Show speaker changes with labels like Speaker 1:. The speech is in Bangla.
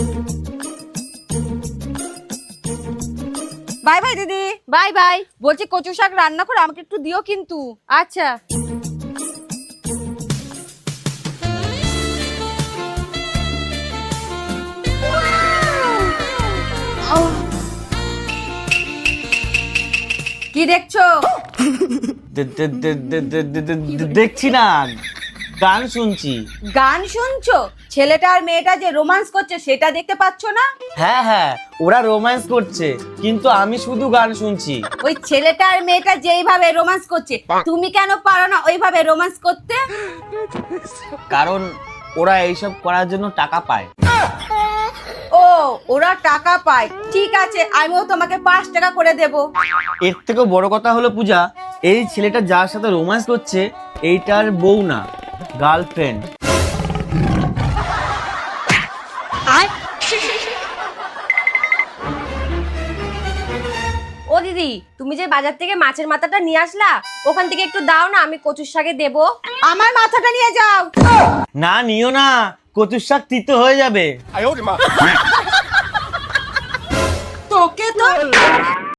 Speaker 1: বাই বাই দিদি।
Speaker 2: Bye bye.
Speaker 1: বলছি কচু শাক রান্না করে আমাকে একটু দিও কিন্তু।
Speaker 2: আচ্ছা।
Speaker 1: কি দেখছো?
Speaker 3: দেখছি না, গান শুনছি।
Speaker 1: গান শুনছো? ছেলেটা আর মেয়েটা যে রোমান্স করছে সেটা দেখতে পাচ্ছ না?
Speaker 3: হ্যাঁ হ্যাঁ, ওরা রোম্যান্স করছে, কিন্তু আমি শুধু গান শুনছি।
Speaker 1: ওই ছেলেটা আর মেয়েটা যেইভাবে রোমান্স করছে তুমি কেন পারো না ওইভাবে রোমান্স করতে?
Speaker 3: কারণ ওরা এইসব করার জন্য টাকা পায়।
Speaker 1: ও, ওরা টাকা পায়, ঠিক আছে, আমিও তোমাকে 5 টাকা করে দেব।
Speaker 3: এর থেকেও বড় কথা হলো পূজা, এই ছেলেটা যার সাথে রোম্যান্স করছে এইটার বউ না, গার্লফ্রেন্ড।
Speaker 2: ও দিদি, তুমি যে বাজার থেকে মাছের মাথাটা নিয়ে আসলা, ওখান থেকে একটু দাও না, আমি কচুর শাকে দেবো।
Speaker 1: আমার মাথাটা নিয়ে যাও।
Speaker 3: না, নিও না, কচুর শাক তিতো হয়ে যাবে।
Speaker 1: তোকে তো